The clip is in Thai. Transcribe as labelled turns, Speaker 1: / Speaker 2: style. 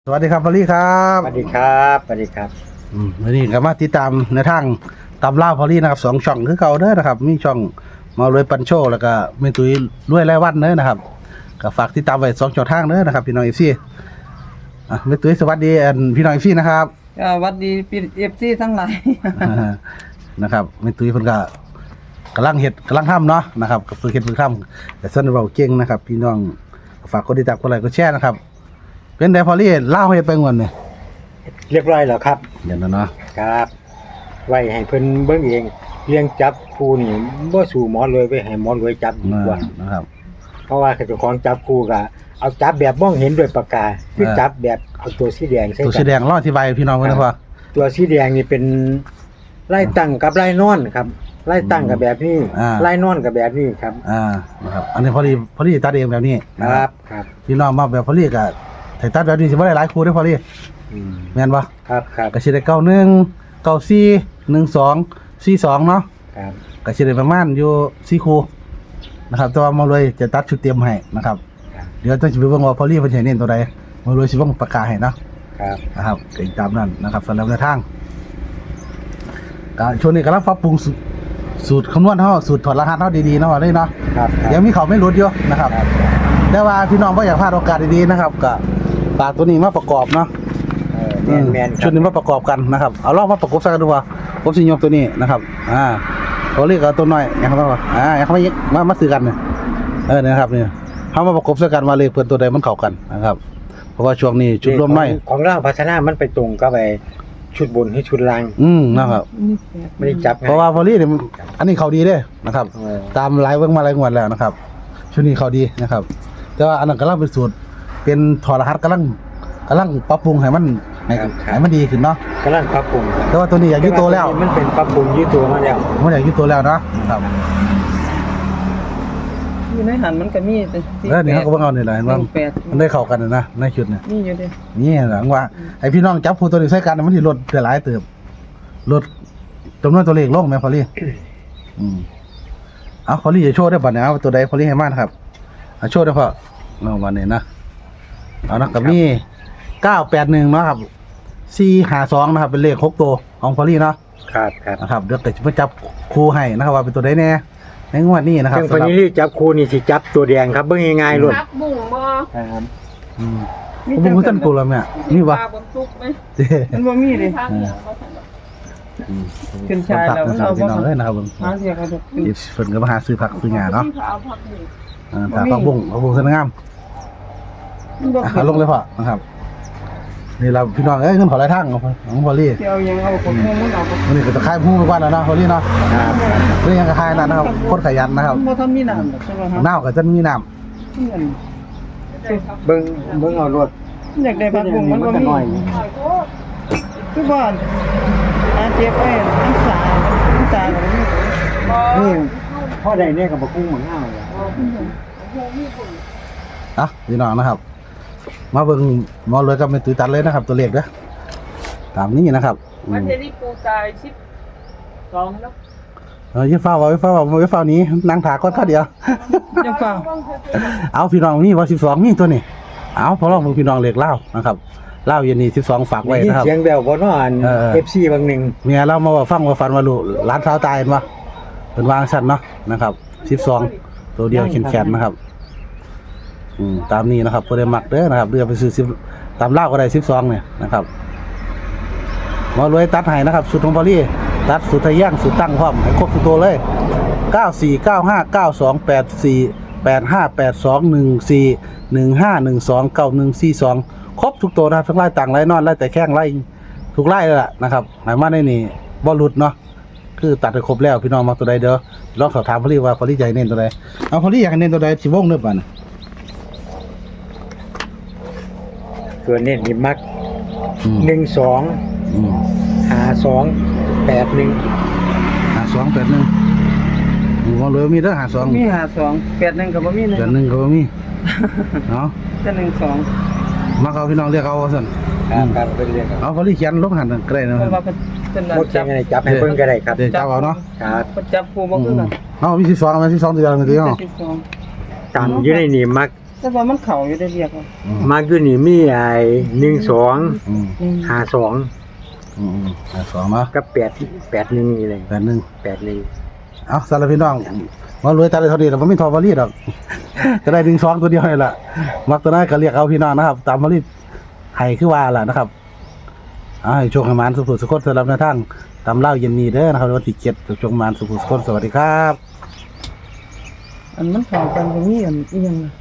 Speaker 1: สวัสดีครับพอลลี่ครับ
Speaker 2: สวัสดีครับสวัสดีครับ
Speaker 1: วันนี้ก็มาติดตามในทางตำราพอลลี่นะครับ2ช่องคือเก่าเด้อนะครับมีช่องมาเลยปันโชแล้วก็แม่ตุ้ยรวยรายวันเด้อนะครับก็ฝากติดตามไว้2ช่องทางเด้อนะครับพี่น้อง FC แม่ตุ้ยสวัสดีพี่น้อง FC นะครับ
Speaker 3: สวัสดีพี่FCทั้งหลาย
Speaker 1: นะครับแม่ตุ้ยเพิ่นก็กำลังทำเนาะนะครับก็ฝึกเฮ็ดฝึกทำแต่ส่วนเว้าเก่งนะครับพี่น้องฝากกดติดตามกดไลค์กดแชร์นะครับเป็นไดพอลลี่เล่าให้ไปงวนนี่
Speaker 2: เรียบร้อยแล้วครับ
Speaker 1: อย่างนั้นเนาะ
Speaker 2: ครับไว้ให้เพิ่นเบิ่งเองเลี้ยงจับคู่นี่บ่สู่หมอเลยไว้ให้หมอเลยจับดีกว่า
Speaker 1: นะครับ
Speaker 2: เพราะว่าเจ้าของจับคู่ก็เอาจับแบบมองเห็นด้วยปากกาคือจับแบบเอาตัวสีแดงใส่
Speaker 1: ตัวสีแดงรอดที่ใบพี่น้องไว้นะพ่อ
Speaker 2: ตัวสีแดงนี่เป็นไล่ตั้งกับไล่นอนครับไล่ตั้งกับแบบนี้ไล่นอนกับแบบนี้ครับ
Speaker 1: นะครับอันนี้พอดีตัดเองแบบนี้
Speaker 2: ครับ
Speaker 1: พี่น้องมาแบบพอดีก็ถ้าตัดแบบนี้สิบ่ได้หลายคู่เด้อพอดีแม่นบ่
Speaker 2: ครับ
Speaker 1: ก็สิได้91 94 12 42เนาะ
Speaker 2: ครับ
Speaker 1: ก็สิได้ประมาณอยู่4คู่นะครับแต่ว่ามาเลยจะตัดชุดเตรียมให้นะครับเดี๋ยวต้องสิไปเบิ่งว่าพอดีเพิ่นสิเน้นตัวใดมาเลยสิวงประกาศให้เนาะ
Speaker 2: ครับ
Speaker 1: นะครับก็ตามนั้นนะครับสำหรับแนวทางก็ช่วงนี้กำลังปรับปรุงสูตรคำนวณเฮาสูตรถอดรหัสเฮาดีๆเนาะว่าได้เนาะ
Speaker 2: ครับ
Speaker 1: ยังมีเขาไม่หลุดอยู่นะครับแต่ว่าพี่น้องบ่อยากพลาดโอกาสดีๆนะครับก็ฝากตัวนี้มาประกอบเนาะ
Speaker 2: แม่น
Speaker 1: ชุดนี้มาประกอบกันนะครับเอาลองมาประกอบซะกันดูว่าผมสิยกตัวนี้นะครับเขาเรียกเอาตัวน้อยอย่างเขาว่าอย่างเขามาซื้อกันเนี่ยนะครับเนี่ยเฮามาประกอบซะกันมาเลยเพิ่นตัวใดมันเข้ากันนะครับเพราะว่าช่วงนี้ชุดรวมน้อย
Speaker 2: ของเราพัฒนามันไปตรงกับไปชุดบนให้ชุดล่าง
Speaker 1: นะครับ
Speaker 2: ไม่ได้จับ
Speaker 1: เพราะว่าพอลี่เนี่ยอันนี้เขาดีเด้นะครับตามหลายเบิ่งมาหลายงวดแล้วนะครับชุดนี้เขาดีนะครับแต่ว่าอันนั้นกำลังเป็นสูตรเป็นถอดรหัสกำลังปรับปรุงให้มันดีขึ้นเนาะ
Speaker 2: กำลังปรับปรุง
Speaker 1: แต่ว่าตัวนี้อยากยืดตัวแล้ว
Speaker 2: มันเป็นปรับปรุงยืดตัวมาแล้ว
Speaker 1: มันอยากยืดตัวแล้วนะครับ
Speaker 3: อยู่ในหันมันก็มี
Speaker 1: แล้วนี่เขาก็เบิ่งเอานี่แหละเห็นว่ามันได้เข้ากันนะในชุดเนี่ย
Speaker 3: มีอยู่เด้
Speaker 1: นี่หลังว่าไอพี่น้องจับคู่ตัวนี้ใส่กันมันสิลดได้หลายเติบลดจำนวนตัวเลขลงแม่พอลี่เอาพอลี่จะโชว์ได้บัดนี้ตัวใดพอลี่ให้มาครับโชว์ได้พอเอาวันนี้นะเอานะกับมี981เนาะครับ452นะครับเป็นเลข6ตัวของพอลี่เนาะ
Speaker 2: ครับ
Speaker 1: นะครับเดี๋ยวจะมาจับคู่ให้นะครับว่าเป็นตัวใดแน่ในงวดนี้นะครับ
Speaker 2: ซึ่งพอลี่จับคู่นี่สิจับตัวแดงครับเบิ่งง่ายๆเลย
Speaker 4: พักบุ้งบ่
Speaker 2: ครับ
Speaker 1: บุ้งต้นปูแล้วแม่นี่วะ
Speaker 3: มันบ่มีเด้ขึ้นชายแล้วมันเอาบ่
Speaker 1: เลยนะครับ
Speaker 3: หาเสียก็ดอก
Speaker 1: เพิ่นก็มาหาซื้อผักซื้อหญ้าเนาะถ้าผักบุ้งสวยงามลงเลยพ่อนะครับนี่เราพี่น้องเงินขอหลายทางของพอลี่
Speaker 3: เดี๋ยวยังเอาของมันเอา
Speaker 1: วันนี้ก็จะขายผู้ไปกว่าแล้วนะพอลี่เนาะเรื่องยังก็ขายนั่นนะครับคนขยันนะครับ
Speaker 3: บ่ทันมีน้ำใช่มั้ยครับ
Speaker 1: น้ำก็จะมีน้
Speaker 2: ำเบิ่งเอารถ
Speaker 3: อยากได้ผักบุ้งมันบ่มีคือบ้านเจ็บไอ้น้ำสา
Speaker 2: นี่พ่อใดเนี่ยกับบักกุ้งเหมือนง่ายเลย
Speaker 1: พี่น้องนะครับมาเบิ่งมาเลยกับแม่ตุ้ยตัดเลยนะครับตัวเลขเด้อตามนี้นะครับ
Speaker 4: มันจะได้ปูตาย12แล้ว
Speaker 1: อย่าฟ้านี้นั่งถาก่อนค่าเดียว
Speaker 3: อย่าฟ้า
Speaker 1: เอาพี่น้องมีว่า12มีตัวนี้เอาพอลองพี่น้องเลขเล่านะครับเล่าเย็นนี้12ฝากไว้นะครับ
Speaker 2: เสียงแววบ่เนาะFC บางนึง
Speaker 1: เมียเรามาว่าฟังว่าฝันว่าลูกหลานสาวตายเห็นบ่เป็นวางชั้นเนาะนะครับ12ตัวเดียวแขนนะครับตามนี้นะครับบ่ได้มักเด้อนะครับเรือไปซื้อ10ตามเล่าก็ได้12เนี่ยนะครับมารวยตัดให้นะครับสุดของพอลี่ตัดสุดทะย่างสุดตั้งพร้อมให้ครบทุกตัวเลย94 95 92 84 85 82 14 15 12 91 42ครบทุกตัวนะครับทั้งไล่ต่างไล่นอนไล่แต่แข้งไล่ทุกไล่เลยล่ะนะครับหมายมาในนี่บ่หลุดเนาะคือตัดให้ครบแล้วพี่น้องมาตัวใดเด้อลองสอบถามพอลี่ว่าพอลี่จะเน้นตัวใดเอาพอลี่อยากเน้นตัวใดสิวงเด้อป่ะน่ะ
Speaker 2: ตัวเน้นนี่มัก12 52 81
Speaker 1: 5281ว่าเลยมีเด้อ52
Speaker 3: มี52 81ก็บ่มีนะ
Speaker 1: 81ก็บ่มีเนาะ
Speaker 3: จะ12
Speaker 1: มาเขาพี่น้องเรียกเอาซั่น
Speaker 2: ครับเป็นเรียก
Speaker 1: เอาพอลี่เขียนลงหันก็ได้เนาะ
Speaker 3: เพราะว่าเพิ่น
Speaker 2: จับให้จับให้เบิ่งก็ได้ครับ
Speaker 1: จับเอาเนาะ
Speaker 2: ครับ
Speaker 3: จับคู่บ่คือกัน
Speaker 1: มี12มัน12ตัวเดียวกันตัวเนาะ
Speaker 2: ตามอยู่ในนี่มัก
Speaker 3: แต่ว่ามันเข้าอยู่ได้เรียกว่า
Speaker 2: มาอยู่นี่มีไอ้12
Speaker 1: อืม
Speaker 2: 52
Speaker 1: สองเนาะ
Speaker 2: กับ81นี่เลย 81
Speaker 1: เอาสารบพี่น้องมารวยตาเลยเท่านี้แต่ว่าไม่ทอวารีดอก จะได้ดึง2ตัวเดียวนี่แหละมักตัวนั้นก็เรียกเอาพี่น้องนะครับ ตามวารีให้คือว่าล่ะนะครับให้โชคให้หมานสุขสุขคนสำหรับในทางตำเล่าเย็นนี้เด้อนะครับวันที่7โชคหมานสุขสุขคนสวัสดีครับ
Speaker 3: อันมันเข้ากันก็มีอันอีหยังนะ